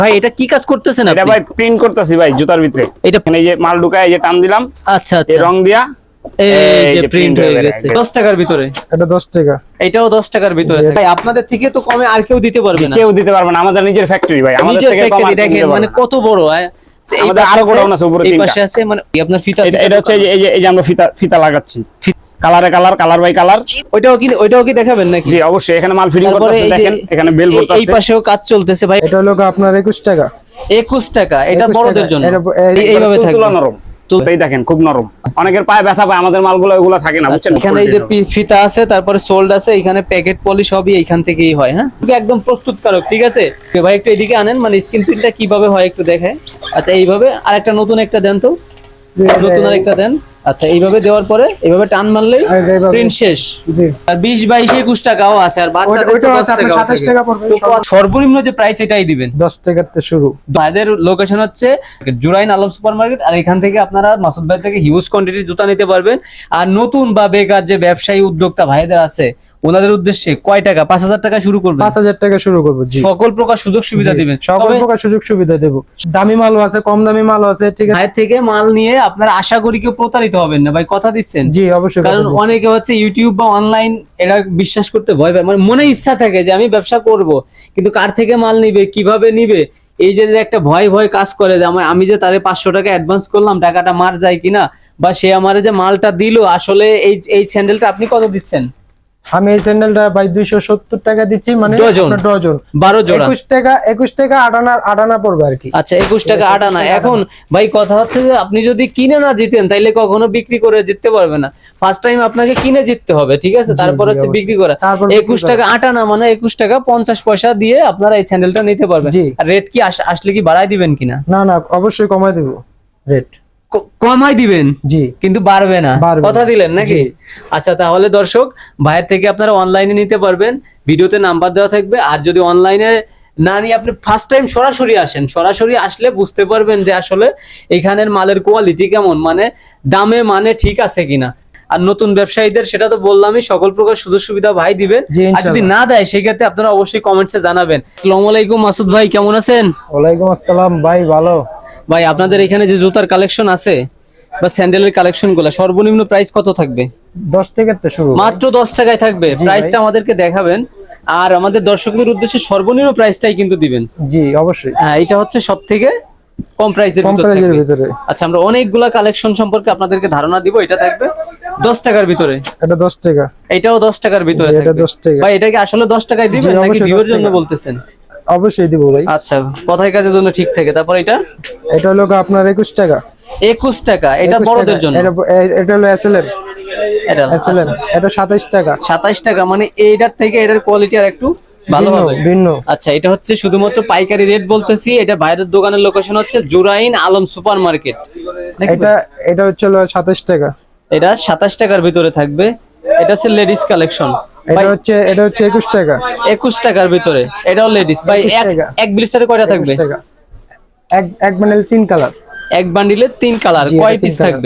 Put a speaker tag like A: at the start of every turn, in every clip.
A: ভাই এটা কি কাজ করতেছেন
B: এটা
A: আপনি?
B: ভাই প্রিন্ট করতেছি ভাই জুতার ভিতরে।
A: এটা
B: এই যে মাল ঢুকায় এই যে টান দিলাম,
A: আচ্ছা
B: এই
A: আচ্ছা,
B: রং দিয়া
A: এই যে
B: যে
A: প্রিন্ট
B: print
A: হয়ে
B: হয়ে
A: গেছে
B: গেছে।
A: 10 টাকার ভিতরে।
C: এটা 10 টাকা।
A: এটাও 10 টাকার ভিতরে
C: জি।
A: থাকে। ভাই আপনাদের থেকে তো কমে আর কেউ দিতে পারবে না।
B: কেউ দিতে পারবে না, আমাদের নিজের ফ্যাক্টরি ভাই, আমাদের
A: নিজের
B: থেকে কম আর
A: ফ্যাক্টরি
B: কেউ
A: দেখেন
B: দিতে পারবে
A: মানে
B: না।
A: কত বড় হয়। এই
B: আমাদের
A: পাশে
B: আরো
A: আছে,
B: গোডাউন আছে উপরে
A: এই
B: 3টা।
A: পাশে আছে, মানে আপনার ফিতা
B: এটা হচ্ছে এই যে আমরা ফিতা লাগাচ্ছি, কালারে কালার বাই কালার।
A: ওইটাও কি দেখাবেন নাকি?
B: জি অবশ্যই, এখানে মাল ফিটিং
A: তারপরে
B: করতেছে,
A: এই যে
B: দেখেন এখানে বেল
A: এই
B: ভরতেছে।
A: পাশেও কাজ চলতেছে ভাই।
C: এটা হলো আপনার 21 টাকা।
A: 21 টাকা, এটা
C: 21
A: বড়দের
C: টাকা।
A: জন্য। এইভাবে
B: তুলা
A: থাকবে।
B: নরম, এই দেখেন খুব নরম। অনেকের পায়ে ব্যথা পায়, আমাদের মালগুলো ওগুলো থাকে না,
A: আচ্ছা,
B: বুঝছেন?
A: এখানে এই যে ফিতা আছে, তারপরে সোল্ড আছে, এখানে প্যাকেট পলি সবই এইখান থেকেই হয়। হ্যাঁ, একদম প্রস্তুতকারক, ঠিক আছে ভাই। একটু এদিকে আনেন, মানে স্ক্রিন প্রিন্টটা কিভাবে হয় একটু দেখায়। আচ্ছা এইভাবে, আর একটা নতুন একটা দেন তো, নতুন আর একটা দেন। আচ্ছা এইভাবে দেওয়ার পরে এইভাবে টান মারলেই
C: এই যে এইভাবে।
A: প্রিন্ট শেষ।
C: জি।
A: আর 20, 22, 21 টাকাও আছে, আর বাচ্চাদের তো
C: ওইটাও
A: 10
C: আছে, আপনার
A: টাকাও
C: 27
A: থাকে।
C: টাকা পড়বে।
A: তো সর্বনিম্ন যে প্রাইস এটাই দিবেন।
C: 10 টাকাতে শুরু।
A: ভাইদের লোকেশন হচ্ছে জুরাইন আলম সুপার মার্কেট, আর এখান থেকে আপনারা মাসুদ ভাই থেকে হিউজ কোয়ান্টিটির জুতা নিতে পারবেন। আর নতুন বা বেকার যে ব্যবসায়ী উদ্যোক্তা ভাইদের আছে, ওনাদের উদ্দেশ্যে কয় টাকা, 5000 টাকা শুরু করবেন,
C: 5000 টাকা শুরু করব। জি,
A: সকল প্রকার সুযোগ সুবিধা দিবেন।
C: সকল
A: তবে
C: প্রকার সুযোগ সুবিধা দেব। দামি মালও আছে, কম দামি মালও আছে, ঠিক আছে।
A: ভাইয়ের থেকে মাল নিয়ে আপনারা আশা করি কেউ প্রতারিত হবেন না ভাই, কথা দিচ্ছেন?
C: জি অবশ্যই।
A: কারণ
C: কথা দিচ্ছি।
A: অনেকে হচ্ছে ইউটিউব বা অনলাইন এরা বিশ্বাস করতে ভয় পায়, মানে মনে ইচ্ছা থাকে যে আমি ব্যবসা করব, কিন্তু কার থেকে মাল নিবে, কিভাবে নিবে, এই যে একটা ভয় কাজ করে যে আমি যে তারে 500 টাকা অ্যাডভান্স করলাম, টাকাটা মার যায় কিনা, বা সে আমারে যে মালটা দিল আসলে এই স্যান্ডেলটা আপনি কত দিচ্ছেন?
C: আমি এই স্যান্ডেলটা ভাই 270 টাকা দিচ্ছি, মানে
A: ডজন।
C: আপনার ডজন
A: 12 জোড়া।
C: 21 টাকা আটানা পড়বে আর কি।
A: আচ্ছা 21 টাকা আটানা। এখন ভাই কথা হচ্ছে যে আপনি যদি কিনে না জিতেন তাইলে কখনো বিক্রি করে জিততে পারবে না। ফার্স্ট টাইম আপনাকে কিনে জিততে হবে, ঠিক আছে? তারপর হচ্ছে
C: অবশ্যই।
A: বিক্রি করা।
C: তারপর বিক্রি
A: 21 টাকা আটানা মানে 21 টাকা 50 পয়সা দিয়ে আপনারা এই স্যান্ডেলটা নিতে পারবেন।
C: জি।
A: আর রেট কি আসলে কি বাড়ায় দিবেন কিনা?
C: না না, অবশ্যই কমাই দেব রেট।
A: কমাই দিবেন,
C: জি।
A: কিন্তু বাড়বে না,
C: বাড়বে
A: কথা
C: না।
A: দিলেন নাকি?
C: জি।
A: আচ্ছা তাহলে দর্শক, ভাইয়ের থেকে আপনারা অনলাইনে নিতে পারবেন, ভিডিওতে নাম্বার দেওয়া থাকবে। আর যদি অনলাইনে না নিয়ে আপনি ফার্স্ট টাইম সরাসরি আসেন, সরাসরি আসলে বুঝতে পারবেন যে আসলে এখানের মালের কোয়ালিটি কেমন, মানে দামে মানে ঠিক আছে কিনা। আর নতুন ব্যবসায়ীদের সেটা তো বললামই, সকল প্রকার সুযোগ সুবিধা ভাই দিবেন।
C: জি,
A: আর যদি
C: ইনশাআল্লাহ।
A: না দেয় সেক্ষেত্রে আপনারা অবশ্যই কমেন্টসে জানাবেন। আসসালামু আলাইকুম মাসুদ ভাই, কেমন আছেন?
C: ওয়ালাইকুম আসসালাম ভাই, ভালো।
A: ভাই আপনাদের এখানে যে জুতার কালেকশন আছে বা স্যান্ডেলের কালেকশন গুলো, সর্বনিম্ন প্রাইস কত থাকবে?
C: 10 টাকাতে শুরু।
A: মাত্র 10 টাকায় থাকবে।
C: জি
A: প্রাইসটা
C: ভাই।
A: আমাদেরকে দেখাবেন, আর আমাদের দর্শকদের উদ্দেশ্যে সর্বনিম্ন প্রাইসটাই কিন্তু দিবেন।
C: জি অবশ্যই।
A: হ্যাঁ, এটা হচ্ছে সব থেকে কম প্রাইসের
C: কম
A: ভিতর
C: প্রাইজের
A: থাকবে।
C: ভিতরে।
A: আচ্ছা আমরা অনেকগুলা কালেকশন সম্পর্কে আপনাদেরকে ধারণা দিব। এটা থাকবে 10 টাকার ভিতরে,
C: এটা 10 টাকা।
A: এটাও 10 টাকার ভিতরে
C: জি, এটা
A: থাকবে।
C: 10 টাকা।
A: ভাই এটা কি আসলে 10 টাকায় দিবেন
C: জি,
A: নাকি
C: অবশ্যই 10
A: ভিউয়ের জন্য
C: টাকা।
A: বলতেছেন?
C: অবশ্যই দিব ভাই।
A: আচ্ছা, কথায় কাজের জন্য ঠিক থাকে। তারপর এটা
C: এটা হলো আপনার 21 টাকা।
A: 21 টাকা, এটা
C: 21
A: বড়দের
C: টাকা।
A: জন্য।
C: এটা হলো এসএলএম।
A: এটা
C: এসএলএম এটা 27 টাকা।
A: 27 টাকা, মানে এইটার থেকে এটার কোয়ালিটি আর একটু ভালো
C: ভিন্ন,
A: হবে।
C: ভিন্ন।
A: আচ্ছা এটা হচ্ছে শুধুমাত্র পাইকারি রেট বলতেছি। এটা বাইরের দোকানের লোকেশন হচ্ছে জুরাইন আলম সুপার মার্কেট।
C: এটা হচ্ছে হলো 27 টাকা।
A: এটা 27 টাকার ভিতরে থাকবে। এটা হচ্ছে লেডিস কালেকশন।
C: এটা হচ্ছে 21 টাকা।
A: 21 টাকার ভিতরে, এটাও লেডিস। ভাই
C: 21 টাকা।
A: এক ব্লিস্টারে কয়টা
C: 21
A: থাকবে?
C: টাকা। এক বান্ডেল 3 কালার।
A: এক বান্ডিলে 3 কালার।
C: জি,
A: কয়
C: এটা
A: পিস
C: 3 কালার।
A: থাকবে?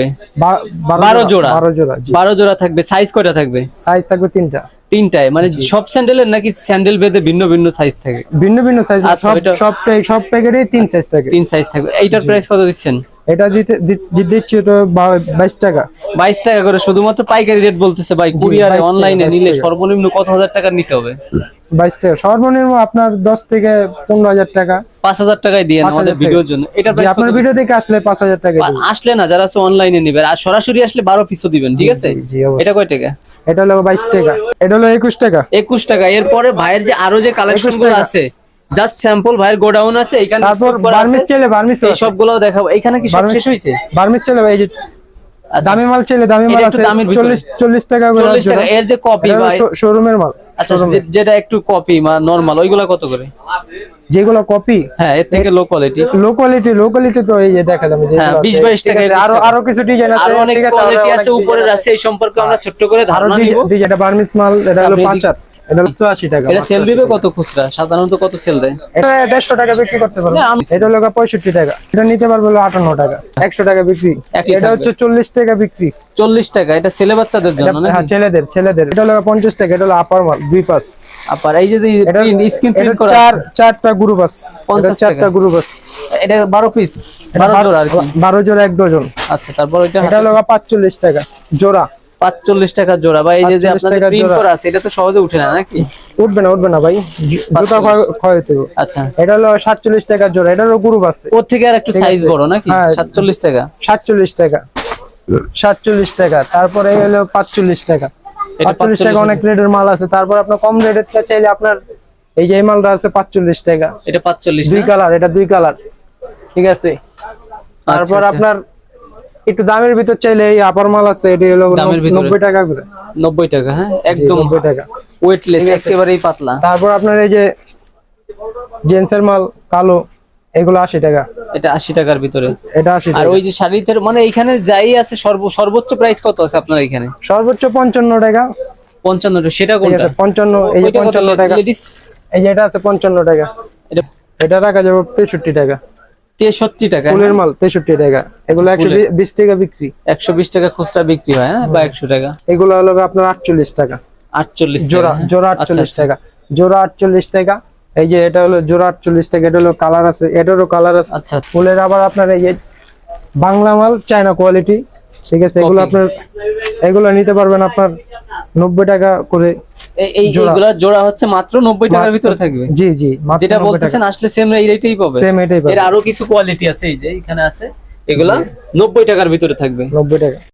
C: 12
A: জোড়া।
C: 12 জোড়া। জি।
A: 12 জোড়া থাকবে। সাইজ কয়টা থাকবে?
C: সাইজ থাকবে 3টা।
A: 3টায়, মানে সব স্যান্ডেলের নাকি স্যান্ডেল ভেদে ভিন্ন ভিন্ন সাইজ থাকে?
C: ভিন্ন ভিন্ন সাইজ।
A: আচ্ছা, এটা-
C: সব প্যাকেটে 3 সাইজ থাকে।
A: 3 সাইজ থাকবে। এইটার প্রাইস কত দিচ্ছেন?
C: এটা দিচ্ছি ওটা 22 টাকা।
A: 22 টাকা করে, শুধুমাত্র পাইকারি রেট বলতেছে ভাই। কুরিয়ারে
C: 22 টাকা,
A: অনলাইনে
C: 22
A: নিলে
C: টাকা।
A: সর্বনিম্ন কত হাজার টাকা নিতে হবে?
C: 22 টাকা সর্বনিম্ন আপনার 10 থেকে 15,000 টাকা।
A: 5000 টাকায় দিয়ে
C: 5,000
A: আমাদের
C: টাকা।
A: ভিডিওর জন্য। এটা
C: জি,
A: প্রাইস
C: আপনার ভিডিও দেখে আসলে 5,000 টাকা দিবেন।
A: আসলে না, যারা আছে অনলাইনে নিবে, আর সরাসরি আসলে 12 পিসও দিবেন, ঠিক আছে?
C: জি, অবশ্যই।
A: এটা কয় টাকা?
C: এটা হলো 22 টাকা। এটা হলো 21 টাকা।
A: 21 টাকা। এরপরে ভাইয়ের যে আরো যে কালেকশন
C: 21
A: গুলো
C: টাকা।
A: আছে, জাস্ট স্যাম্পল ভাইয়ের গোডাউন আছে, এখানে
C: তারপর বার্মিস চলে, বার্মিস
A: এই সবগুলো দেখাবো। এখানে কি সব শেষ হইছে?
C: বার্মিস চলে ভাই। এই যে
A: আচ্ছা,
C: দামি মাল চলে, দামি মাল
A: এটা একটু
C: আছে
A: দামের ভিতরে।
C: 40 টাকা করে।
A: 40 টাকা। এর যে কপি ভাই,
C: শোরুমের মাল।
A: আচ্ছা যেটা একটু কপি বা নরমাল, ওইগুলা কত করে?
C: যেগুলো কপি,
A: হ্যাঁ, এর থেকে লো কোয়ালিটি।
C: লো কোয়ালিটি তো এই যে দেখালাম যে
A: হ্যাঁ, 20-22 টাকা, 21
C: আরো
A: টাকা।
C: আরো কিছু ডিজাইন আছে,
A: আরো অনেক
C: ঠিক আছে,
A: কোয়ালিটি
C: আরো
A: আছে,
C: অনেক
A: উপরের
C: design
A: আছে, এই সম্পর্কে আমরা ছোট্ট করে
C: আরো
A: ধারণা নিব।
C: ডিজাইন। এটা বার্মিস মাল, এটা হলো
A: তারপরে
C: 5 হাত। এটা 80 টাকা।
A: এটা সেল দিবে কত খুচরা, সাধারণত কত সেল দেয়?
C: এটা 150 টাকা বিক্রি করতে পারবো।
A: না, আমি-
C: এটা হলো 65 টাকা। এটা নিতে পারবো হলো 58 টাকা। 100 টাকা বিক্রি।
A: একই
C: এটা
A: থাকবে।
C: হচ্ছে 40 টাকা বিক্রি।
A: 40 টাকা, এটা ছেলে বাচ্চাদের
C: এটা
A: জন্য
C: হ্যাঁ
A: নাকি?
C: ছেলেদের। এটা হলো 50 টাকা। এটা হলো আপার মাল 2 পাস।
A: আবার এই যে
C: এটা
A: স্ক্রিন প্রিন্ট করা
C: চারটা গ্রুপ আছে।
A: 50
C: চারটা
A: টাকা।
C: গ্রুপ আছে।
A: এটা 12 পিস, 12 জোড়া আর কি।
C: 12 জোড়া 1 ডজন।
A: আচ্ছা, তারপর এটা
C: এটা হলো 45 টাকা জোড়া।
A: 45 টাকা জোড়া। বা এই যে
C: 45
A: আপনাদের
C: টাকা
A: প্রিন্ট
C: জোড়া।
A: করা আছে, এটা তো সহজে উঠে না নাকি?
C: উঠবে না ভাই, জুতা ক্ষয় হতে হবে।
A: আচ্ছা,
C: এটা হলো 47 টাকা জোড়া। এটারও গ্রুপ আছে।
A: ওর থেকে আর একটু
C: ঠিক
A: সাইজ
C: আছে।
A: বড় নাকি?
C: হ্যাঁ।
A: 47 টাকা।
C: 47 টাকা। 47 টাকা। তারপরে হলো 45 টাকা।
A: এটা
C: 45 টাকা
A: 45
C: অনেক রেটের মাল আছে। তারপর আপনার কম রেটের চাইলে আপনার এই যে এই মালটা আছে 45 টাকা।
A: এটা 45
C: দুই
A: না?
C: কালার, এটা 2 কালার। ঠিক আছে। তারপর
A: আচ্ছা।
C: আপনার একটু দামের ভিতর চাইলে এই আপার মাল আছে, এটি হলো
A: দামের ভিতরে?
C: 90 টাকা করে।
A: 90 টাকা, হ্যাঁ, একদম
C: 90 টাকা।
A: ওয়েটলেস,
C: ঠিক আছে।
A: একেবারেই পাতলা।
C: তারপর আপনার এই যে জেন্টসের মাল কালো, এগুলো 80 টাকা।
A: এটা 80 টাকার ভিতরে।
C: এটা 80
A: আর
C: টাকা।
A: ওই যে শাড়িতে মানে এখানে যাই আছে সর্বোচ্চ প্রাইস কত আছে আপনার এখানে?
C: সর্বোচ্চ 55 টাকা।
A: 55 টাকা। সেটা
C: ঠিক
A: কোনটা?
C: আছে 55, এই যে 55 টাকা।
A: লেডিস
C: এই যে এটা আছে 55 টাকা।
A: এটা
C: এটা রাখা যাবে 63 টাকা।
A: 63 টাকা।
C: ফুলের মাল 63 টাকা। এগুলো
A: আচ্ছা, ফুলের।
C: 120 টাকা বিক্রি।
A: 120 টাকা খুচরা বিক্রি হয়, হ্যাঁ, বা 100 টাকা।
C: এগুলো হলো আপনার 48 টাকা
A: 48
C: জোড়া।
A: টাকা, হ্যাঁ।
C: জোড়া
A: আচ্ছা,
C: 48
A: আচ্ছা।
C: টাকা। জোড়া 48 টাকা। এই যে এটা হলো জোড়া 48 টাকা। এটা হলো কালার আছে, এটারও কালার আছে।
A: আচ্ছা।
C: ফুলের আবার আপনার এই যে বাংলা মাল, চায়না কোয়ালিটি। ঠিক আছে। এগুলো
A: Copy।
C: আপনার এগুলো নিতে পারবেন আপনার 90 টাকা করে। জোড়া।
A: এইগুলা জোড়া হচ্ছে মাত্র 90 টাকার ভিতরে থাকবে।
C: জি মাত্র
A: যেটা
C: 90
A: বলতেছেন
C: টাকা।
A: আসলে সেম এই রেটেই পাবে।
C: সেম এটাই
A: এর
C: পাবেন।
A: আরো কিছু কোয়ালিটি আছে, এই যে এখানে আছে, এগুলা 90 টাকার ভিতরে থাকবে।
C: 90 টাকা।